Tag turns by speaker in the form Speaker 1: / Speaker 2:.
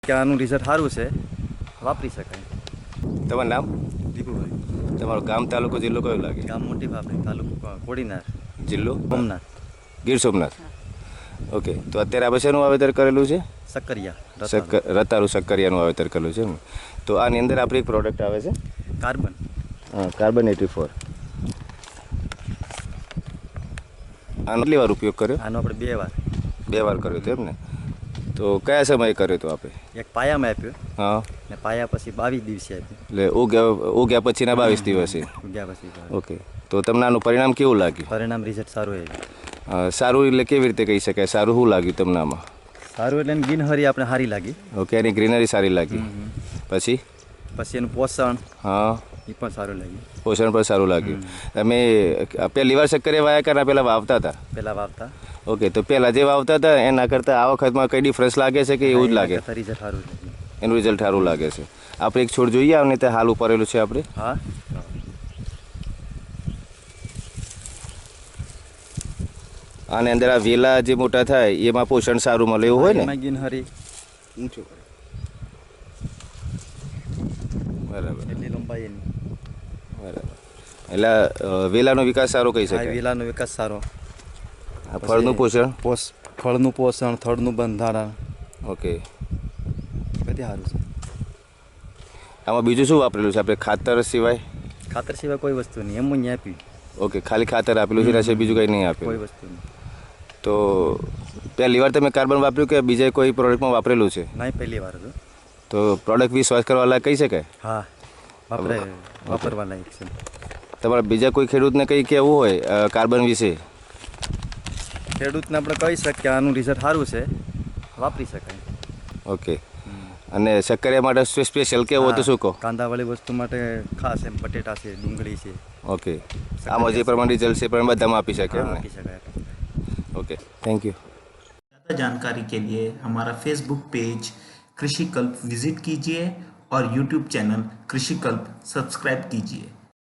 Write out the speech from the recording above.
Speaker 1: કે આનું રિઝલ્ટ સારું છે, વાપરી શકાય.
Speaker 2: તમારું નામ?
Speaker 1: દીપુભાઈ.
Speaker 2: તમારું ગામ, તાલુકો, જિલ્લો કયો લાગે?
Speaker 1: ગામ મોટી ફાફડી, તાલુકો કોડીનાર,
Speaker 2: જિલ્લો
Speaker 1: સોમનાથ.
Speaker 2: ગીર સોમનાથ. ઓકે, તો અત્યારે આપણે શેનું વાવેતર કરેલું છે?
Speaker 1: સક્કરિયા,
Speaker 2: રતાળુ શક્કરિયાનું વાવેતર કરેલું છે. તો આની અંદર આપણી એક પ્રોડક્ટ આવે છે
Speaker 1: કાર્બન.
Speaker 2: કાર્બન 84. આનો કેટલી વાર ઉપયોગ કર્યો?
Speaker 1: આનો આપણે 2 વાર.
Speaker 2: 2 વાર કર્યો હતો એમ ને? તો કયા સમયે કર્યો હતો આપણે?
Speaker 1: એક પાયામાં આપ્યો,
Speaker 2: હા,
Speaker 1: ને પાયા પછી 22 દિવસે આપ્યો.
Speaker 2: એટલે ઉગ્યા પછીના 22 દિવસે.
Speaker 1: ઉગ્યા પછી.
Speaker 2: ઓકે, તો તમને આનું પરિણામ કેવું લાગ્યું?
Speaker 1: પરિણામ રિઝલ્ટ સારું આવ્યું.
Speaker 2: સારું એટલે કેવી રીતે કહી શકાય? સારું શું લાગ્યું તમને આમાં?
Speaker 1: સારું એટલે એની ગ્રીનહરી આપણે સારી લાગી.
Speaker 2: ઓકે, એની ગ્રીનરી સારી લાગી. પછી
Speaker 1: એનું પોષણ,
Speaker 2: હા,
Speaker 1: એ પણ સારું લાગ્યું.
Speaker 2: પોષણ પણ સારું લાગ્યું. તમે પહેલી વાર શક્કરિયા વાયા કે પહેલાં વાવતા હતા?
Speaker 1: પહેલાં વાવતા.
Speaker 2: ઓકે, તો પહેલાં જે વાવતા હતા એના કરતાં આ વખતમાં કઈ ડિફરન્સ લાગે છે કે એવું જ લાગે?
Speaker 1: રિઝલ્ટ સારું લાગ્યું.
Speaker 2: એનું રિઝલ્ટ સારું લાગે છે. આપણે એક છોડ જોઈએ આવને તે હાલ ઉપરેલું છે આપણે.
Speaker 1: હા,
Speaker 2: આની અંદર આ વેલા જે મોટા થાય એમાં પોષણ સારું મળે એવું હોય ને?
Speaker 1: એમાં ગ્રીનહરી ઊંચું કરે.
Speaker 2: બરાબર,
Speaker 1: એટલી લંબાઈ એની.
Speaker 2: બરાબર. એટલે વેલાનો વિકાસ સારો કહી
Speaker 1: આ
Speaker 2: શકાય.
Speaker 1: વેલાનો વિકાસ સારો.
Speaker 2: આ ફળનું પોષણ.
Speaker 1: ફળનું પોષણ, થડનું બંધારણ,
Speaker 2: ઓકે,
Speaker 1: બધી સારું છે.
Speaker 2: આમાં બીજું શું વાપરેલું છે આપણે ખાતર સિવાય?
Speaker 1: ખાતર સિવાય કોઈ વસ્તુ નહીં, એમ જ આપ્યું.
Speaker 2: ઓકે, ખાલી ખાતર આપેલું છે, એના સિવાય બીજું કંઈ નહીં
Speaker 1: કોઈ
Speaker 2: આપેલું.
Speaker 1: વસ્તુ નહીં.
Speaker 2: તો પહેલી વાર તમે કાર્બન વાપર્યું કે બીજા કોઈ પ્રોડક્ટમાં વાપરેલું છે?
Speaker 1: નહીં, પહેલી વાર હતું.
Speaker 2: તો પ્રોડક્ટ વિશ્વાસ કરવા લાયક કહી શકાય?
Speaker 1: હા, વાપરવા લાયક છે.
Speaker 2: તમારે બીજા કોઈ ખેડૂતને કંઈ કહેવું હોય કાર્બન વિશે?
Speaker 1: ખેડૂતને આપણે કહી શકીએ કે આનું રિઝલ્ટ સારું છે, વાપરી શકાય.
Speaker 2: ઓકે, અને શક્કરિયા માટે સ્પેશિયલ કેવું હોય તો શું કહો?
Speaker 1: કાંદાવાળી વસ્તુ માટે ખાસ એમ બટેટા છે, ડુંગળી છે.
Speaker 2: ઓકે, આમાં જે પ્રમાણે રિઝલ્ટ છે એ પ્રમાણે બધામાં આપી શકે એમ ને?
Speaker 1: આપી શકાય.
Speaker 2: Okay, thank you.
Speaker 3: ज़्यादा जानकारी के लिए हमारा फेसबुक पेज कृषि कल्प विजिट कीजिए और यूट्यूब चैनल कृषि कल्प सब्सक्राइब कीजिए।